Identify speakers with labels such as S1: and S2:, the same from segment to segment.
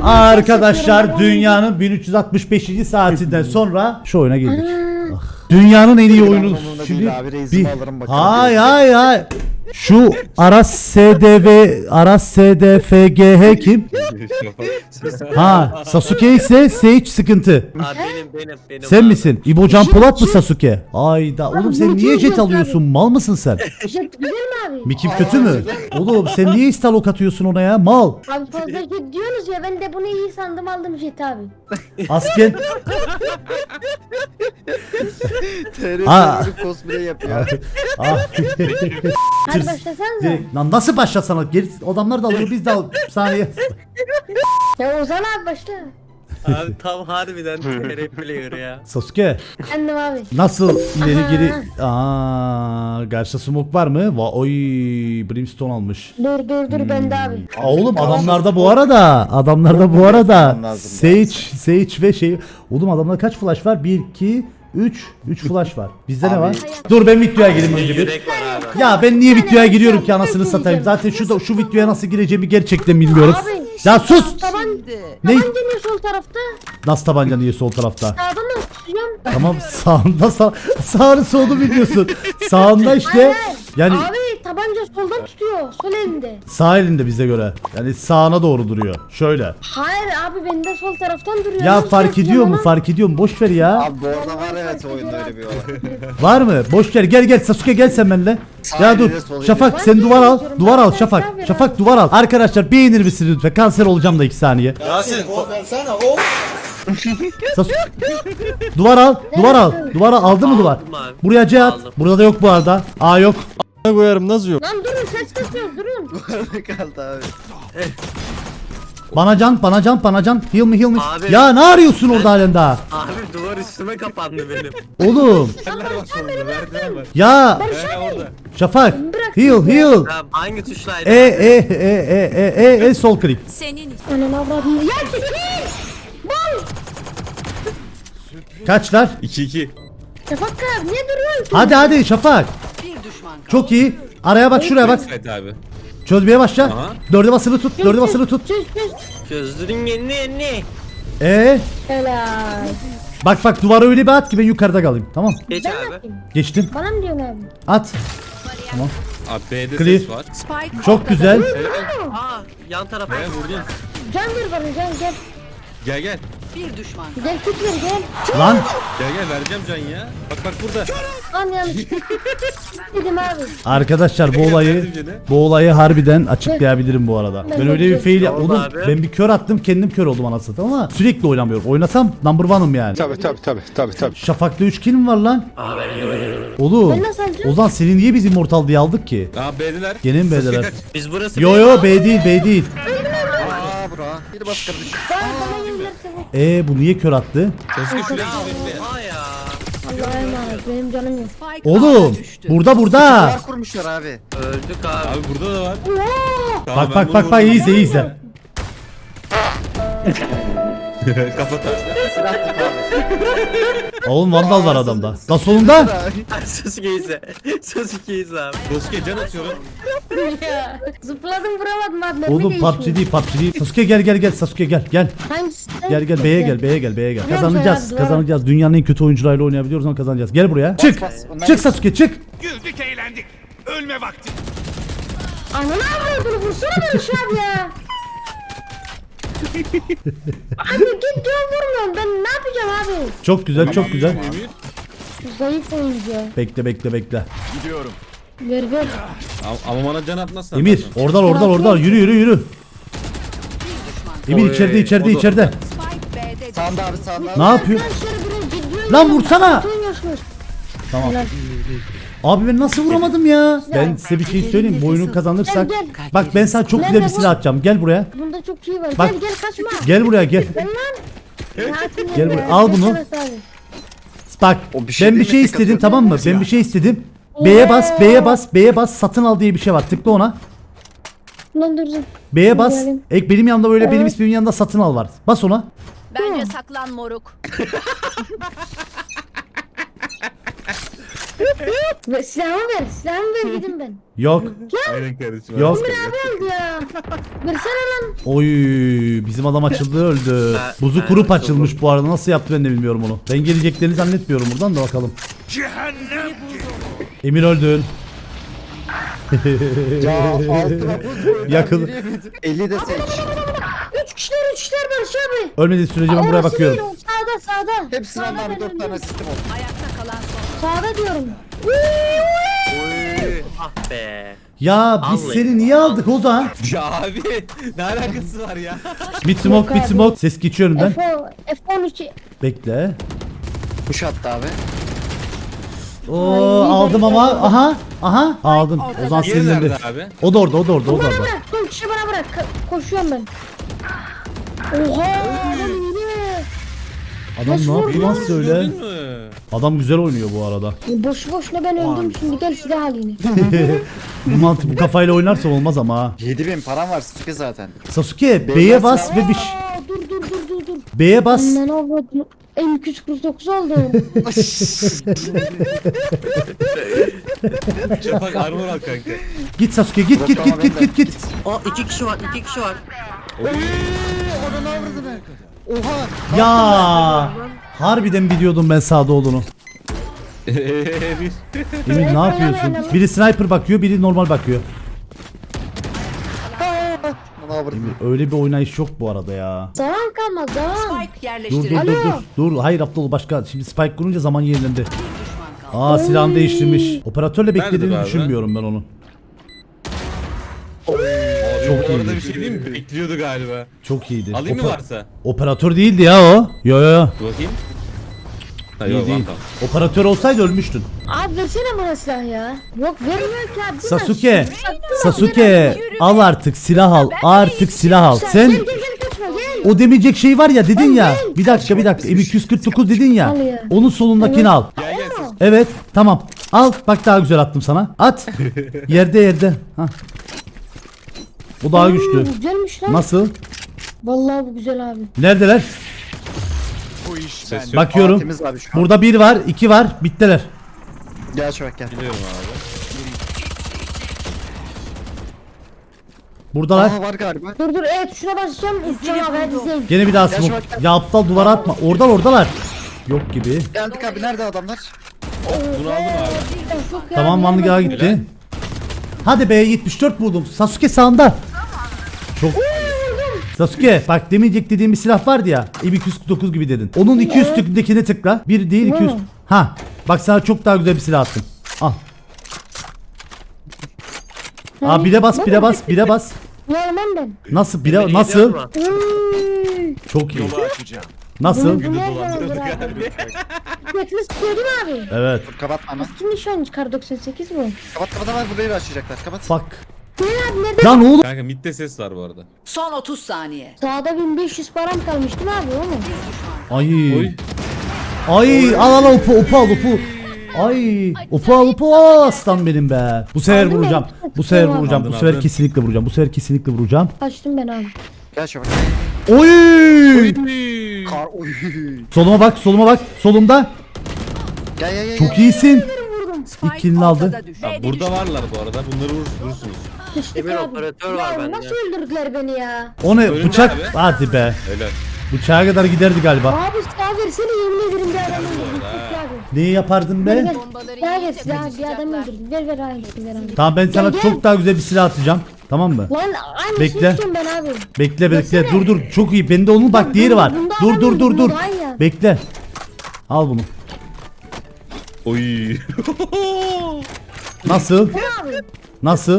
S1: Arkadaşlar dünyanın 1365. saatinden sonra şu oyuna girdik. Dünyanın en iyi oyunu. Şimdi hay. Şu Aras SDFGH kim? Ha, Sasuke ise Sage sıkıntı.
S2: Benim.
S1: Sen misin? İbo Can Polat mı Sasuke? Ayda oğlum sen niye jet alıyorsun? Mal mısın sen?
S3: Jet güzel mi abi?
S1: Mikim kötü mü? Oğlum sen niye istalok atıyorsun ona ya? Mal.
S3: Abi fazla jet diyorsunuz ya, ben de bunu iyi sandım, aldım jet abi.
S1: Asken.
S4: TRT cosplay yapıyor.
S3: Hadi başlasanıza.
S1: Direkt, lan nasıl başlasana? Geri adamlar da alıyor biz de al saniye.
S3: Ya Ozan abi başla.
S2: Abi tam harbiden TR player ya.
S1: Sasuke
S3: Kendim abi.
S1: nasıl ileri
S3: Aha.
S1: geri? Karşı smoke var mı? Oy brimstone almış.
S3: Dur bende abi.
S1: Oğlum adamlarda bu arada Sage ve şey. Oğlum adamlarda kaç flash var? 1 2 3 flash var. Bizde ne var? Dur ben videoya gireyim önce bir.
S2: Yürek var abi.
S1: Ya ben niye videoya giriyorum ki anasını satayım. Zaten şu videoya nasıl gireceğimi gerçekten bilmiyorum.
S3: Abi.
S1: Ya sus. Ne?
S3: Tabanca niye sol tarafta?
S1: Nasıl tabanca niye sol tarafta?
S3: Sağdan da tutacağım.
S1: Tamam sağında sağını solunu biliyorsun. Sağında işte.
S3: Hayır.
S1: Yani
S3: Abi tabanca soldan tutuyor. Sol elinde.
S1: sağ elinde bize göre. Yani sağına doğru duruyor. Şöyle.
S3: Hayır abi, bende sol taraftan duruyor.
S1: Ya
S3: Nasıl
S1: fark
S3: tutacağım
S1: ediyor mu?
S3: ama?
S1: Fark ediyor mu? Boş ver ya.
S4: Abi bu arada var evet oyunda öyle bir olay.
S1: Var mı? Boş ver. Gel Sasuke gel sen benimle. Ya dur.
S4: elinde, sol
S1: Şafak
S3: elinde.
S1: sen duvar al.
S3: Ben
S1: Duvar al
S3: de
S1: Şafak.
S3: yapıyorum.
S1: Şafak duvar al. Arkadaşlar beğenir misiniz lütfen? Kanser olacağım da 2 saniye. Sasuke. Duvar al. Duvar al. Aldı mı duvar?
S2: Aldım abi.
S1: Buraya C at.
S2: Aldım.
S1: Burada da yok bu arada. A yok.
S5: koyarım nasıl yok?
S3: Lan durun, ses kasıyor, durun.
S4: Kaldı abi.
S1: Bana can. Heal me.
S2: Abi.
S1: Ya ne arıyorsun orada halen daha?
S2: Abi duvar üstüme kapandı benim.
S1: Oğlum. Ya. Şafak. Heal.
S2: Tamam hangi tuşlaydı?
S1: Sol klik.
S3: Anam avradım. Ya çekil.
S1: Kaçlar?
S5: 2-2.
S3: Şafak abi niye duruyorsun?
S1: Hadi Şafak. Çok iyi. Araya bak şuraya bak.
S5: Evet abi.
S1: Çözmeye başla.
S5: Aha.
S1: Dörde basılı tut.
S3: Çöz.
S2: Çözdürün yeni.
S3: Helal.
S1: Bak duvara öyle bir at ki ben yukarıda kalayım. Tamam.
S2: Geç
S3: Ben
S2: abi.
S3: bakayım.
S1: Geçtim.
S3: Bana mı diyorsun abi?
S1: At.
S5: Abi B'de
S1: Clear.
S5: ses var.
S1: Çok güzel.
S2: Aa yan tarafa.
S5: Vurdum.
S3: Can ver bana, gel.
S5: Gel.
S3: Gel tut ver, gel.
S1: Lan.
S5: Gel vereceğim can ya. Bak burada.
S3: Lan yanlış. Dedim abi.
S1: Arkadaşlar
S5: Verdim gene.
S1: bu olayı harbiden açıklayabilirim bu arada. Ben öyle bir fail
S2: Oldu
S1: oğlum
S2: abi.
S1: ben bir kör attım kendim kör oldum anasını satayım ama sürekli oynamıyorum. Oynasam number one'ım yani.
S5: Tabii.
S1: Şafak'ta 3 kill mi var lan?
S2: Abi
S1: Oğlum.
S3: Ben nasıl alacağım?
S1: Ozan seni niye biz immortal diye aldık ki?
S5: Aa B'deler.
S1: Gene mi B'deler?
S2: biz burası.
S1: Yo B değil.
S4: Aa bura. Bir bas kardeşim.
S3: Bana gelirse bu.
S1: Bu niye kör attı?
S5: Sasuke şuraya bekle.
S2: Aa ya.
S3: Allah'a emanet, benim canım yok.
S1: Oğlum burada.
S4: Duvar kurmuşlar abi.
S2: Öldük abi.
S5: Abi burada da var. Tamam, ben
S1: Bak
S5: bunu
S1: iyi
S5: vurdum.
S1: izle.
S5: Kafa taş.
S4: Silah tut abi.
S1: Oğlum vandal var adamda. Lan solunda.
S2: Sasuke'yiz abi.
S5: Sasuke can atıyorum.
S3: Ya, zıpladım vuramadım abi. mermi
S1: Oğlum
S3: değişmiyor.
S1: PUBG değil. Sasuke gel Sasuke gel.
S3: Hangisi?
S1: Gel B'ye gel.
S3: Biliyorum
S1: Kazanacağız. Dünyanın en kötü oyuncularıyla oynayabiliyoruz ama kazanacağız. Gel buraya. Çık.
S4: Onlar-
S1: Çık Sasuke çık.
S6: Güldük eğlendik. Ölme vakti.
S3: Ananı avradını vursana beni şu abi ya. Abi git diyor vurmuyorum, ben ne yapacağım abi?
S1: Çok güzel.
S5: Emir.
S3: Zayıf oyuncu ya.
S1: Bekle.
S3: Ver.
S5: Ama bana can atmazsan.
S1: Emir oradan yürü. Emir içeride.
S4: Sağında abi sağında.
S1: Ne yapıyor?
S3: Arkadaşlar biraz ciddi
S1: Lan vursana.
S3: oynuyorsunuz.
S1: Tamam.
S3: Helal.
S1: Abi ben nasıl vuramadım ya? Ben size bir şey söyleyeyim. Bu oyunu kazanırsak.
S3: Gel.
S1: Bak ben sana çok güzel bir silah atacağım. Gel buraya.
S3: Bunda çok iyi var.
S1: Bak.
S3: Gel kaçma.
S1: Gel buraya gel.
S3: Gel lan.
S1: Gel buraya, al bunu. Bak
S4: O bir şey
S1: ben bir
S4: değil mi?
S1: şey
S4: Tek
S1: istedim
S4: atıyor.
S1: tamam mı? Ben bir şey istedim. B'ye bas satın al diye bir şey var. Tıkla ona.
S3: Lan dur.
S1: B'ye bas.
S3: Güzelim.
S1: Benim yanımda böyle benim ismimin yanında satın al var. Bas ona.
S7: Bence saklan moruk.
S3: Silahımı ver gidin ben.
S1: Yok.
S5: Aynen kardeşim.
S1: Yok.
S3: Abi öldü ya. Versene lan.
S1: Oy bizim adam açıldı öldü. Buzu kurup açılmış bu arada. Nasıl yaptı ben de bilmiyorum onu. Ben geleceklerini zannetmiyorum buradan da bakalım.
S6: Cehennem.
S1: Emir öldün.
S4: Ya altıma bu.
S1: Yakın.
S4: 50 de seç.
S3: 3 kişiler Barış abi.
S1: Ölmediği sürece ben buraya
S3: Orası
S1: bakıyorum.
S3: değil, o sağda.
S4: Hepsini anlar bir 4 tane sistem oldu.
S3: Sağda diyorum.
S2: Ah be.
S1: Ya biz
S2: Vallahi.
S1: seni niye aldık o da?
S5: Ya abi ne alakası var ya?
S1: Mid smoke mid smoke. Ses geçiyorum ben.
S3: F13.
S1: Bekle.
S4: Kuş attı abi.
S1: Oo aldım ama aha aldım. O zaman
S5: Diğeri
S1: sinirlendi.
S5: nerede abi?
S1: O da orada.
S3: Bana bırak. Son kişi bana bırak. Koşuyorum ben. Oha. Adam iyi.
S1: Adam
S3: Nasıl
S1: ne yapıyor lan
S3: vurdu?
S1: söyle?
S5: Gördün mü?
S1: Adam güzel oynuyor bu arada.
S3: Boşu boşuna ben öldüm şimdi gel silah alayım.
S1: Bu mantık bu kafayla oynarsa olmaz ama ha.
S4: 7000 param var Sasuke zaten.
S1: Sasuke B'ye bas ve bir
S3: Aa, dur.
S1: B'ye bas.
S3: Ne oldu? M249 oldu.
S5: Şafak armor al kanka.
S1: Git Sasuke git.
S2: O 2 kişi var 2 kişi var.
S4: Onu avradı ne? Oha.
S1: Ya harbiden biliyordum ben sağda olduğunu.
S5: Bir.
S1: Emir ne yapıyorsun? Biri sniper bakıyor, biri normal bakıyor.
S4: Onu avradı.
S1: Emir öyle bir oynayış yok bu arada ya.
S3: Zaman kalmaz zaman.
S1: Dur. Hayır Abdullah başka. Şimdi spike kurunca zaman yenilendi. Aa silahını değiştirmiş. Operatörle beklediğini
S5: Nerede be abi?
S1: düşünmüyorum ben onu.
S5: Çok
S1: iyi.
S5: Orada bir şey değil mi? Bekliyordu galiba.
S1: Çok iyiydi.
S5: Alayım mı varsa?
S1: Operatör değildi ya o. Yo.
S5: Bakayım. Ha,
S1: İyi
S5: yok,
S1: değil.
S5: tamam.
S1: Operatör olsaydı ölmüştün.
S3: Abi versene bana silah ya. Yok vermiyor ki abi.
S1: Sasuke al artık silah al. Artık silah al. Sen
S3: Gel kaçma gel.
S1: o demeyecek şey var ya dedin ya.
S3: Ben-
S1: Bir dakika. M249 dedin ya.
S3: Al ya.
S1: Onun solundakini al.
S5: Gel gel siz.
S1: Evet tamam. Al bak daha güzel attım sana. At. Yerde. Hah. O daha güçlü.
S3: Güzelmiş lan.
S1: Nasıl?
S3: Vallahi bu güzel abi.
S1: Neredeler?
S6: Bu iş
S5: Ses
S6: bende.
S5: yok.
S1: Bakıyorum.
S4: Temiz abi şu an.
S1: Burada 1 var, 2 var. Bittiler.
S4: Gel Şafak gel.
S5: Biliyorum abi.
S1: Buradalar.
S4: Aha var galiba.
S3: Dur evet şuna basacağım. Uçacağım abi hadi izleyin.
S1: Gene bir daha
S4: Gel
S1: smoke.
S4: şu bak.
S1: Ya aptal duvara atma. Oradalar. Yok gibi.
S4: Geldik abi nerede adamlar?
S5: Bunu aldım abi.
S3: Çok
S1: Tamam
S3: yardım
S1: Vanlıga'a
S3: edin.
S1: gitti. Hadi be 74 buldum. Sasuke sağında. Çok. Sasuke bak demeyecek dediğim bir silah vardı ya. M249 gibi dedin. Onun 2 üstlükündekine tıkla. Bir değil 200.
S3: Hı.
S1: Ha. Bak sana çok daha güzel bir silah attım. Al. Aa bire bas.
S3: Normal ben.
S1: Nasıl
S2: Beni iyi
S1: nasıl?
S2: yapma.
S3: Uy.
S1: Çok iyi.
S6: Yolu açacağım.
S1: Nasıl?
S3: Bu nereden olur abi? Bekle sıkıyordun abi.
S1: Evet.
S4: Dur kapatma hemen.
S3: Kimmiş şu an kar 98 bu?
S4: Kapat var burayı başlayacaklar. Kapat.
S1: Fuck.
S3: Ne abi nerede?
S1: Lan oğlum.
S5: Kanka midde ses var bu arada.
S7: Son 30 saniye.
S3: Sağda 1500 param kalmıştı mı abi o mu?
S1: Ay.
S5: Oy.
S1: Ay al opu al. Ay opu al aslan benim be. Bu sefer
S3: Aldın mı?
S1: vuracağım.
S5: Aldın,
S1: Bu sefer
S5: aldın.
S1: kesinlikle vuracağım.
S3: Kaçtım ben abi.
S4: Gel Şafak.
S1: Oy!
S4: Kar oy.
S1: Soluma bak. Solumda.
S4: Gel.
S1: Çok iyisin.
S7: Spike
S1: killini aldı.
S7: ortada düştü.
S5: Abi burada varlar bu arada. Bunları vurursunuz.
S3: Sıçtık
S2: Emir
S3: abi.
S2: operatör var
S3: Ya
S2: bende.
S3: nasıl öldürdüler beni ya?
S1: O ne?
S5: Önünde
S1: Bıçak.
S5: abi.
S1: Hadi be.
S5: Öyle.
S1: Bıçağa kadar giderdi galiba.
S3: Abi silah versene yemin ederim bir adam öldürdüm. Sıçtık abi.
S1: Neyi yapardın
S3: Ver
S1: be?
S3: ver. Silah ver silah bir adam öldürdüm. Ver aynısını ver abi.
S1: Tamam ben sana
S3: Gel.
S1: çok daha güzel bir silah atacağım. Tamam mı?
S3: Lan aynısını
S1: Bekle.
S3: istiyorum ben abi.
S1: Bekle.
S3: Versene.
S1: Dur. Çok iyi. Bende onun bak diğeri var.
S3: Bunda
S1: Dur.
S3: adam öldürdüm, daha iyi ya.
S1: Bekle. Al bunu.
S5: Oy.
S1: Nasıl?
S3: Abi.
S1: Nasıl?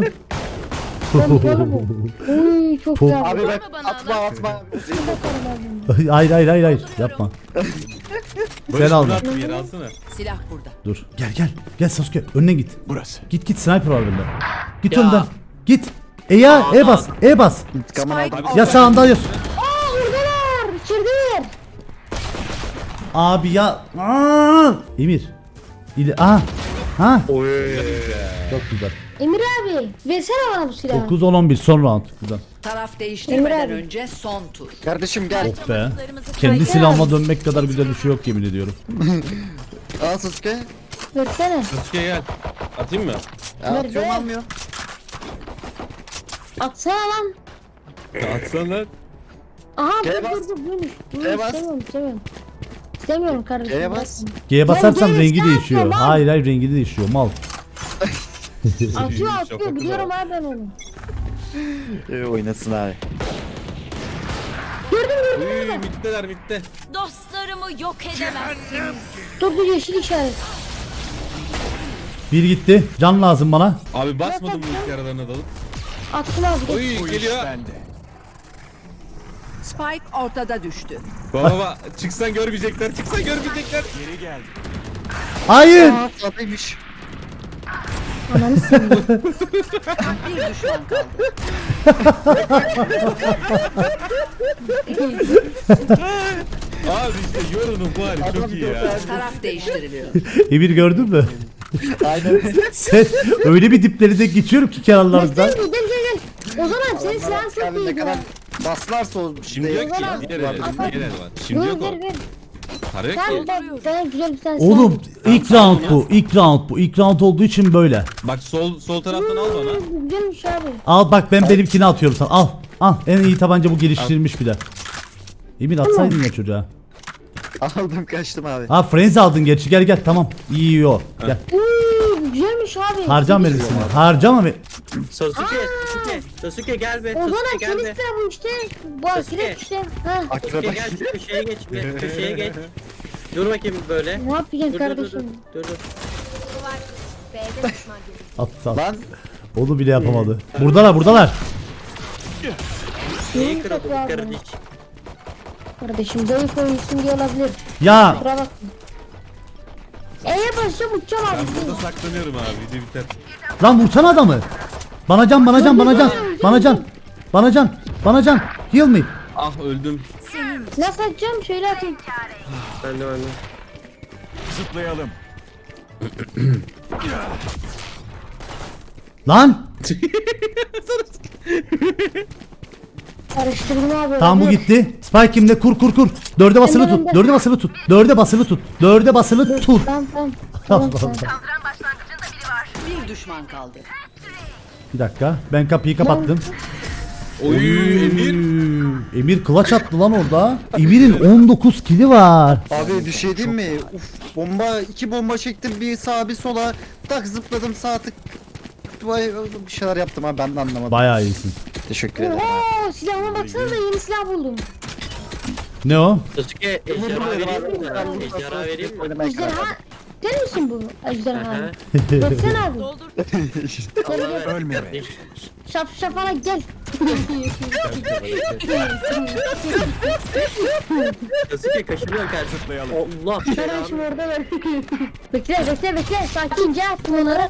S3: Uy çok güzel.
S4: Abi bak atma.
S1: Hayır yapma. Sen al.
S5: Bırak bir yere alsana.
S7: Silah burada.
S1: Dur. Gel Sasuke önüne git.
S6: Burası.
S1: Git sniper var bende. Git
S2: Ya.
S1: önden. Git. E bas.
S4: İntikamını aldım.
S1: Ya sağında ya.
S3: Aa buradalar. İçerideler.
S1: Abi ya. Aa! Emir. Ha. Çok güzel.
S3: Emir abi versene bana bu silahı.
S1: 9 10 11 son round buradan.
S7: Taraf değiştirmeden
S3: Emre abi.
S7: önce son tur.
S4: Kardeşim gel.
S1: Oh be. Kendi silahıma dönmek kadar güzel bir şey yok yemin ediyorum.
S4: Al Sasuke.
S3: Versene.
S5: Sasuke gel. Atayım mı?
S4: Ya
S3: Ver
S4: atıyorum
S3: be.
S4: almıyor.
S3: Atsana lan.
S5: Atsan lan.
S3: Aha
S4: G'ye
S3: dur
S4: bas.
S3: dur dur. Bunu
S4: G'ye bas.
S3: istemiyorum. İstemiyorum kardeşim.
S4: G'ye
S3: bırak
S4: bas.
S3: bunu.
S1: G'ye basarsam
S3: G'ye
S1: rengi
S3: bas,
S1: değişiyor.
S3: lan.
S1: Hayır hayır rengi değişiyor mal.
S3: Atıyor
S5: Şaka
S3: atıyor biliyorum
S5: kulağı.
S3: abi ben onu.
S4: Oynasın abi.
S5: Uy mitteler mitte.
S8: Dostlarımı yok edemezsiniz.
S3: Dur dur yeşil işaret.
S1: Bir gitti. Can lazım bana.
S5: Abi basmadım bu ilk aralarına dalıp.
S3: Attım abi.
S5: Uy
S6: Bu iş
S5: geliyor.
S6: bende.
S7: Spike ortada düştü.
S5: Baba çıksan görmeyecekler. Çıksan görmeyecekler.
S6: Geri geldi.
S1: Hayır.
S4: Aa tatlıymış.
S3: Ananı seveyim.
S7: Bir düşman kaldı.
S5: Abi işte yorunun bu hali çok iyi ya.
S7: Taraf değiştiriliyor.
S1: Emir gördün mü?
S4: Aynen.
S1: Sen öyle bir dipleri de geçiyorum ki kenarlarından.
S3: Gel gel. O zaman senin silahın çok
S4: Abi ne
S3: iyi.
S4: kadar baslarsa o
S5: Şimdi yok ki. Diğer el var. Şimdi yok o.
S3: Ver.
S5: Para yok
S3: Sen
S5: ki.
S3: bak sana güzel bir tane silah
S1: Oğlum
S3: buldum.
S1: ilk round bu. İlk round bu. İlk round olduğu için böyle.
S5: Bak sol taraftan al bana.
S3: Güzelmiş abi.
S1: Al bak ben benimkini atıyorum sana. Al. Al. En iyi tabanca bu geliştirilmiş bir de. Emir atsaydın ya çocuğa.
S4: aldım kaçtım abi.
S1: Ha frenzy aldın gerçi gel gel tamam. İyi o. Gel.
S3: Güzelmiş abi.
S1: Harcam verirsin. Harcama ver.
S2: Sasuke gel be.
S3: O zaman
S2: Sasuke gel
S3: senin
S2: be.
S3: silah bu işte. Bu
S2: Sasuke.
S3: akrep işte. Ha.
S2: Sasuke gel şu köşeye geç be. Köşeye geç. Dur bakayım böyle.
S3: Ne yapacaksın
S2: Dur dur dur.
S3: kardeşim?
S2: Dur dur.
S8: B'de düşman görüldü.
S1: At at.
S4: Lan
S1: Onu bile yapamadı. Buradalar buradalar.
S2: Neyi
S3: Neyi
S2: kırıldı
S3: kapı
S2: bu
S3: abi?
S2: kardeş?
S3: Kardeşim zayıf oyuncusun diye olabilir.
S1: Ya
S3: Kusura bakma. E'ye basacağım uçacağım
S5: Ben
S3: abi.
S5: burada saklanıyorum abi. Video biter.
S1: lan vursana adamı. Bana can bana can bana can. Bana can. Bana can. Bana can. Heal me.
S5: Ah öldüm.
S3: Nasıl atacağım? Şöyle atayım.
S2: Ben de.
S6: Zıplayalım.
S1: Lan.
S3: Karıştırdım abi.
S1: Tamam bu
S3: olabilir.
S1: gitti. Spike kimde? Kur kur kur. Dörde basılı tut. Dörde basılı tut. Dörde basılı tut. Dörde basılı tut.
S3: Tamam tamam. Tamam tamam.
S7: Bir düşman kaldı.
S1: Bir dakika. Ben kapıyı kapattım.
S5: Oy Emir.
S1: Emir clutch attı lan orada. Emir'in 19 kili var.
S4: abi bir şey diyeyim mi? Uf bomba 2 bomba çektim bir sağa bir sola. Tak zıpladım sağ tık. Vay, bir şeyler yaptım abi ben de anlamadım.
S1: Bayağı iyisin.
S4: Teşekkür ederim.
S3: Oo silahıma baksana da yeni silah buldum.
S1: Ne o?
S2: Sasuke ejderha vereyim mi sana? Ejderha vereyim mi?
S3: Ejderha. Sen misin bu ejderha?
S2: Aha.
S3: Baksana abi.
S2: Allah ver.
S6: Ölme be.
S2: kardeş.
S3: Şap şapana gel.
S2: Sasuke kaşınıyor kardeşim.
S6: Zıplayalım.
S2: Allah
S3: Kardeşim
S2: belanı.
S3: orada ver. bekle. Sakince attım onları.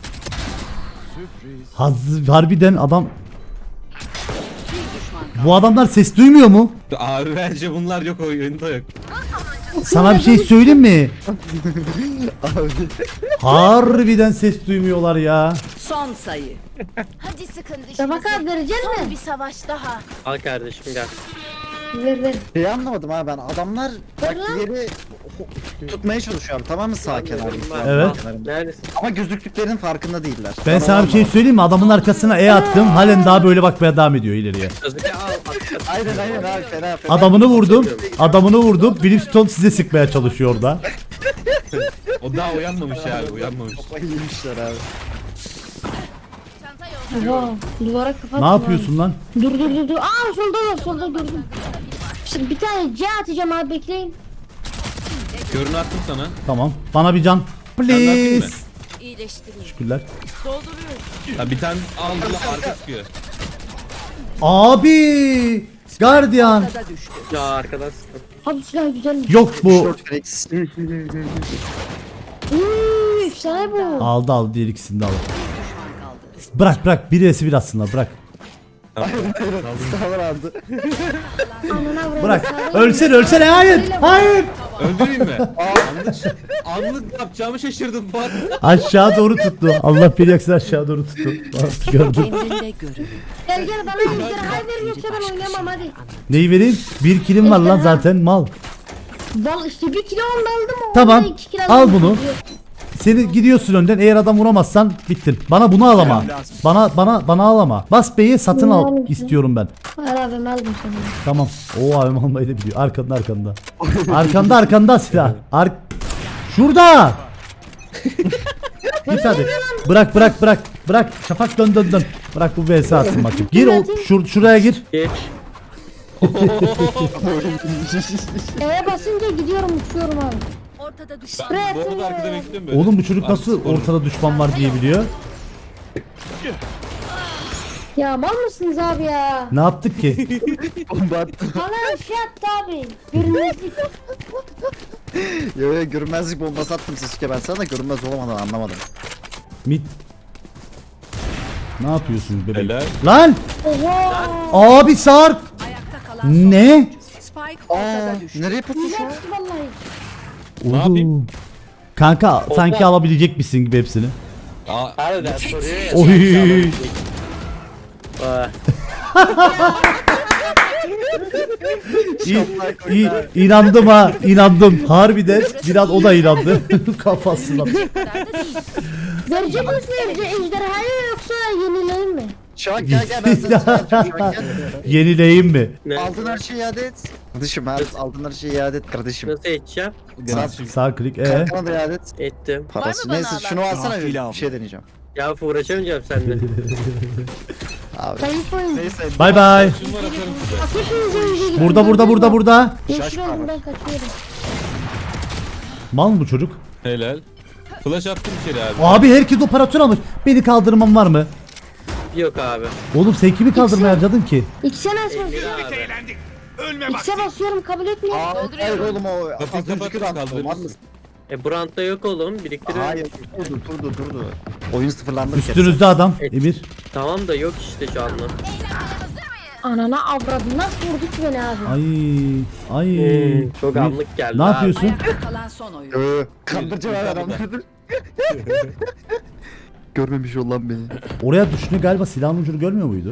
S1: Harbiden adam.
S7: Bir düşman kaldı.
S1: Bu adamlar ses duymuyor mu?
S5: Abi bence bunlar yok oyunda yok.
S1: Sana bir şey söyleyeyim mi?
S4: Abi.
S1: Harbiden ses duymuyorlar ya.
S7: Son sayı.
S8: Hadi sıkın
S3: Tabak
S8: dişinizi.
S3: abi verecek
S8: Son
S3: mi?
S8: bir savaş daha.
S2: Al kardeşim gel.
S3: Ver.
S4: Şeyi anlamadım abi ben adamlar bak
S3: lan.
S4: yeri tutmaya çalışıyorum tamam mı sağ kenarında?
S1: Evet.
S2: Neredesin?
S4: Ama gözüktüklerinin farkında değiller.
S1: Ben sana bir şey söyleyeyim mi? Adamın arkasına E attım. Halen daha böyle bakmaya devam ediyor ileriye.
S2: Sasuke al.
S4: Aynen abi fena.
S1: Adamını vurdum. Adamını vurdum. Brimstone size sıkmaya çalışıyor orada.
S5: O daha uyanmamış abi uyanmamış.
S4: Kafayı yemişler abi.
S3: Oha, duvara kapat.
S1: Ne yapıyorsun lan?
S3: Dur. Aa solda gördüm. Şimdi bir tane C atacağım abi bekleyin.
S5: Görünü attım sana.
S1: Tamam. Bana bir can.
S5: Ben de atayım mı?
S1: Please.
S8: İyileştireyim.
S1: Teşekkürler.
S8: Dolduruyorum.
S5: Ha bir tane aldı arka sıkıyor.
S1: Abi. Guardian.
S7: Ortada düştü.
S2: Ya arkadan sıkın.
S3: Abi silah güzelmiş.
S1: Yok bu.
S4: Short flex.
S3: Efsane bu.
S1: Aldı diğer ikisini de aldı.
S7: Düşman kaldı.
S1: Bırak birisi bir atsınlar bırak.
S4: Sağlar aldı.
S3: Anana vurayım.
S1: Bırak.
S3: Sağ
S1: Ölsene hayır. Hayır.
S5: Öldüreyim mi? Anlık ne yapacağımı şaşırdım bu arada.
S1: Aşağı doğru tuttu. Allah beni yaksın aşağı doğru tuttu. Bak, gördüm.
S7: Kendinde görün.
S3: Gel bana ejderha ver yoksa ben oynamam hadi.
S1: Neyi vereyim? Bir kilim var lan zaten mal.
S3: Val işte bir kilo onu aldım o.
S1: Tamam,
S3: ondan 2 kilo
S1: al
S3: aldım.
S1: bunu. seni gidiyorsun önden. Eğer adam vuramazsan bittin. Bana bunu al ama. Bana al ama. Bas B'yi satın al istiyorum ben.
S3: Hayır abim aldım seni.
S1: Tamam. Oo abim almayı da biliyor. Arkanda. Arkanda silah. Şurada. Git hadi. Bırak. Şafak dön. Bırak bu vs atsın bakayım. Gir şuraya gir.
S2: Geç.
S3: E'ye basınca gidiyorum uçuyorum abi.
S8: Ortada düşman.
S5: Ben bu arada arkada bekliyorum böyle.
S1: Oğlum bu çocuk nasıl ortada düşman var diye biliyor.
S3: Ya mal mısınız abi ya?
S1: Ne yaptık ki?
S4: Bomba attım.
S3: Bana şey attı abi. Görünmezlik.
S4: Yo görünmezlik bombası attım Sasuke ben sana da görünmez olamadan anlamadım.
S1: Mid. Ne yapıyorsunuz bebeğim?
S5: Helal.
S1: Lan!
S3: Oha.
S1: Abi Sarp!
S7: Ayakta kalan son.
S1: Ne?
S7: Spike
S4: Aa
S7: ortada düştü.
S4: nereye patladı şu an?
S3: Güzel vallahi.
S5: Ne yapayım?
S1: Kanka sanki alabilecek misin gibi hepsini.
S5: Aa,
S2: Harbiden soruyor ya.
S1: Oy.
S2: Aa,
S1: İnandım ha, inandım. Harbiden biraz o da inandı. Kafasına.
S8: kadar da değil.
S3: Verecek misin ejderhayı yoksa yenileyin mi?
S4: Şu an gel ben sana çağıracağım şu an gel.
S1: Yenileyim mi?
S2: ne?
S4: Aldın her şeyi iade et. Kardeşim aldın her şeyi iade et kardeşim.
S2: Nasıl edeceğim?
S1: Sağ klik.
S4: Kankana da iade et.
S2: Ettim.
S4: Parası.
S8: bana
S4: Neyse
S8: alan?
S4: şunu alsana
S6: Gafil
S4: bir
S6: al.
S4: şey deneyeceğim.
S2: Ya uğraşamayacağım seninle.
S4: Abi.
S3: Zayıf oyun.
S4: Neyse.
S1: Bay bay.
S5: şunu var atarım size.
S3: Bak hepinize iyice gidiyor.
S1: Burada.
S3: Geçiyorum ben kaçıyorum.
S1: Mal mı bu çocuk?
S5: Helal. Flash attım içeri abi.
S1: Abi herkes operatör almış. Beni kaldırmam var mı?
S2: Yok abi.
S1: Oğlum sen kimi kaldırmaya harcadın ki?
S3: X'e nasıl
S2: Emir
S3: basıyorum?
S2: abi.
S6: Eğlendik. Ölme bak.
S3: X'e basıyorum kabul etmiyor.
S4: Hayır oğlum o
S5: Kapıyı
S4: az önceki
S5: kapat,
S4: rant
S5: kaldırırız.
S4: olmaz mısın?
S2: Brand'da yok oğlum. Biriktiriyorum.
S4: Hayır durdu. Oyun sıfırlandı. bir kere.
S1: Üstünüzde adam. Emir.
S2: Tamam da yok işte şu anda.
S3: Anana avradı nasıl vurdu ki beni abi?
S1: Ay.
S2: Çok
S1: Emir,
S2: anlık geldi
S1: Ne
S2: abi.
S1: yapıyorsun?
S7: Ayakta kalan son oyun.
S4: Kandırıcı var adamlardır. Görmemiş ol lan beni.
S1: Oraya düşünce galiba silahın ucunu görmüyor muydu?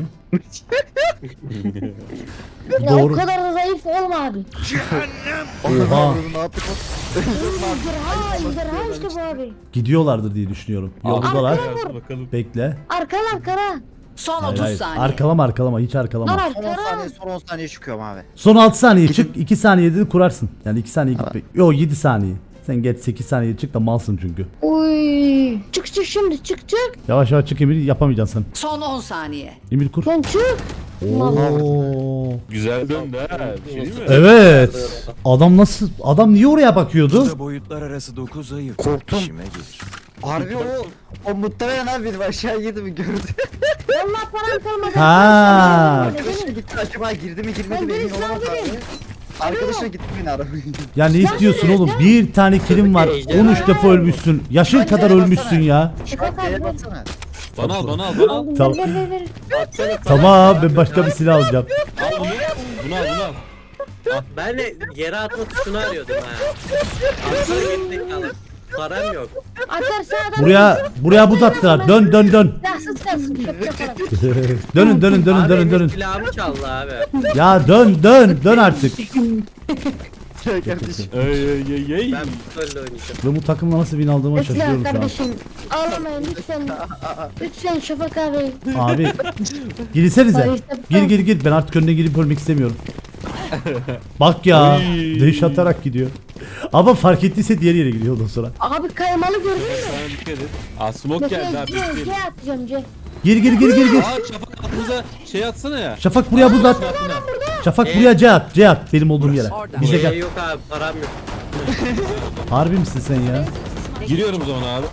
S3: Ya
S1: Doğru.
S3: o kadar da zayıf olma abi.
S1: Oha.
S4: Ne yaptık o?
S3: Ejderha işte bu abi.
S1: Gidiyorlardır diye düşünüyorum. Yoldalar.
S5: Bakalım.
S1: Bekle.
S3: Arkana.
S7: Son
S1: Hayır,
S7: 30
S1: hayır.
S7: saniye.
S1: Arkalama hiç
S3: Lan
S1: arkalama.
S4: Son 10
S3: arkana.
S4: saniye son 10 saniye çıkıyorum abi.
S1: Son 6 saniye çık 2 saniyede de kurarsın. Yani 2 saniye gitmek. Yo 7 saniye. Sen geç 8 saniye çık da malsın çünkü.
S3: Uy. Çık şimdi çık.
S1: Yavaş çık Emir yapamayacaksın sen.
S7: Son 10 saniye.
S1: Emir kur.
S3: Sen çık.
S1: Oo.
S5: Güzel döndü ha. Bir şey değil mi?
S1: Evet. Adam niye oraya bakıyordu?
S6: Burada boyutlar arası 9 ayı.
S4: Korktum.
S6: İşime gelir.
S4: Harbi o muhtemelen abi benim aşağı girdi mi gördü.
S3: Vallahi param kalmadı.
S1: Ha.
S4: Arkadaşına gitti acaba girdi mi girmedi mi
S3: Ben
S4: emin
S3: birisi
S4: olamadı
S3: alabilirim.
S4: abi. Arkadaşına gitti beni arabayı.
S1: Ya ne istiyorsun oğlum? Bir tane kilim var. 13 defa ölmüşsün. Yaşın kadar ölmüşsün ya.
S4: Şu an D'ye baksana.
S5: Bana al.
S3: Aldım,
S1: Tamam.
S3: ver.
S1: Tamam ben başka bir silah alacağım.
S5: Al bunu. Bunu al.
S2: Ben de yere atma tuşunu arıyordum ha. Aklına gittik kalır. Param yok.
S3: Atarsa adam.
S1: Buraya buz attılar. Dön.
S3: Silahsız kalsın. Şöp yaparım.
S1: Dönün.
S2: Silahımı çaldı abi.
S1: Ya dön artık.
S4: Gel kardeşim.
S5: Ey.
S2: Ben böyle oynayacağım.
S1: Ben bu takımla nasıl win aldığıma
S3: Mesela
S1: şaşırıyorum şu an.
S3: kardeşim. Ağlamayın lütfen. Lütfen Şafak abi.
S1: Abi girsenize.
S3: Hayır, tabii.
S1: Gir. Ben artık önüne girip ölmek istemiyorum. Bak ya. Dış atarak gidiyor. Ama fark ettiyse diğer yere gidiyor ondan sonra.
S3: Abi kaymalı gördün mü?
S5: Sana dikkat et. Aa smoke geldi ha.
S3: C
S5: Bekleyelim.
S3: atacağım C.
S1: Gir.
S5: Aa Şafak aklınıza şey atsana ya.
S1: Şafak buraya buz at. Şafak buraya C at. Benim olduğum yere.
S7: Orada.
S1: Bize
S2: Şey
S1: gel.
S2: yok abi param yok.
S1: Harbi misin sen ya?
S5: Giriyorum o zaman abi.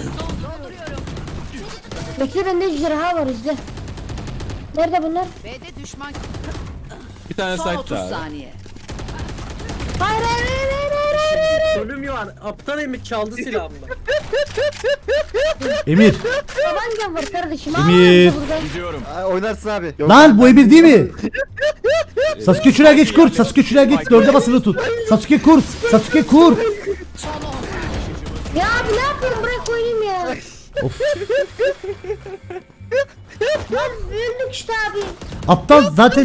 S3: Bekle bende ejderha var izle. Nerede bunlar?
S7: B'de düşman.
S5: Bir tane
S7: Son
S5: site'da
S7: 30
S5: abi.
S7: saniye.
S3: Hayır.
S2: Ölüm var. Aptal Emir çaldı silahımı.
S1: Emir.
S3: Tabancam var kardeşim.
S1: Emir.
S3: Ağlamam burada.
S6: Gidiyorum.
S4: Oynarsın abi. Yok,
S1: Lan bu Emir değil mi? Sasuke şuraya geç kur. Sasuke şuraya geç. Dörde basılı tut. Sasuke kur.
S3: Ya abi ne yapıyorum bırak oynayayım ya.
S1: Of.
S3: Lan öldük işte abi.
S1: Aptal zaten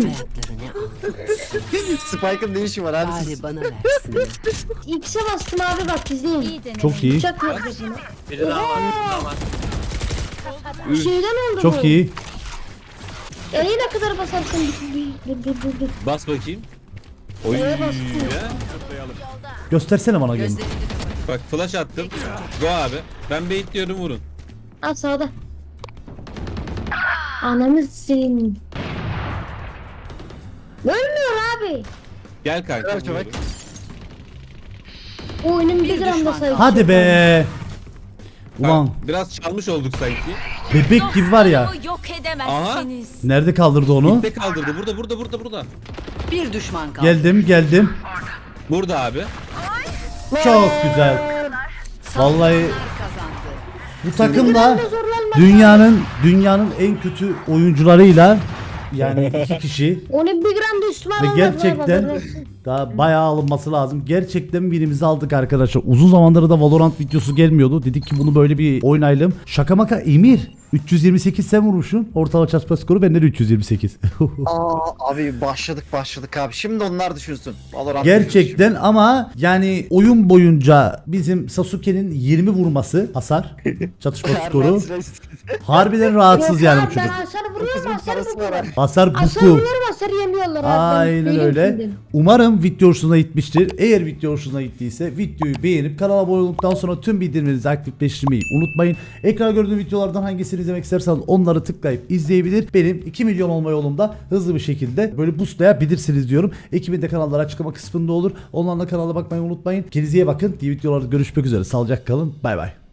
S4: Spike'ın ne işi var abi siz?
S7: Bari bana versin.
S3: X'e bastım abi bak izleyin.
S8: İyi deneme.
S1: çok iyi.
S3: Bıçak yapıyor bunu.
S2: Biri daha var, biri daha var.
S3: Şeyden oldu bu.
S1: Çok iyi.
S3: Ne kadar basarsın? Dur.
S5: Bas bakayım. Oy.
S3: E'ye bastım.
S1: Göstersene bana gönül.
S7: Gözlerini kapat.
S5: Bak flash attım. Go abi. Ben bait diyorum vurun.
S3: Al sağda. Ananı senin. Ölmüyor abi.
S5: Gel kanka.
S4: Ver çabuk.
S5: vuruyorum.
S3: O oyunun bir
S7: Bir
S3: gram da
S7: düşman
S3: sayısı.
S1: Hadi be. Ulan
S5: Biraz çalmış olduk sanki.
S1: bebek gibi var ya.
S8: Dostlarımı yok edemezsiniz.
S1: Nerede kaldırdı onu?
S5: Ne kaldırdı? Burada.
S7: Bir düşman kaldı.
S1: Geldim.
S5: Burada abi.
S1: Çok güzel. Vallahi
S7: Kazandı.
S1: bu takımda
S3: Zorlanma.
S1: dünyanın en kötü oyuncularıyla yani 2 kişi
S3: Onun bir gram da üstüme
S1: ve
S3: alamadılar
S1: gerçekten
S3: baba.
S1: daha bayağı alınması lazım. Gerçekten birimizi aldık arkadaşlar. Uzun zamandır da Valorant videosu gelmiyordu. Dedik ki bunu böyle bir oynayalım. Şaka maka Emir 328 sen vurmuşsun. Ortalama çarpma skoru bende de 328.
S4: Abi başladık abi. Şimdi onlar düşünsün. Valorant
S1: Gerçekten ama yani oyun boyunca bizim Sasuke'nin 20 vurması hasar çatışma skoru harbiden rahatsız
S3: Yok
S1: yani
S3: abi,
S1: bu
S3: ben
S1: çocuk.
S3: hasar vuruyorum hasar
S4: parası var
S3: vuruyorum.
S4: abi.
S1: Hasar
S3: Hasar
S1: buku.
S3: vuruyorum hasar yemiyorlar abi.
S1: Aynen
S3: Benim
S1: öyle.
S3: bildim.
S1: Umarım video hoşuna gitmiştir. Eğer video hoşuna gittiyse videoyu beğenip kanala abone olduktan sonra tüm bildirimlerinizi aktifleştirmeyi unutmayın. Ekranda gördüğünüz videolardan hangisini izlemek isterseniz onları tıklayıp izleyebilir. Benim 2 milyon olma yolumda hızlı bir şekilde böyle boostlayabilirsiniz diyorum. Ekibin de kanalları açıklama kısmında olur. Onlarla kanala bakmayı unutmayın. Kendinize iyi bakın. Diğer videolarda görüşmek üzere. Sağlıcakla kalın. Bay bay.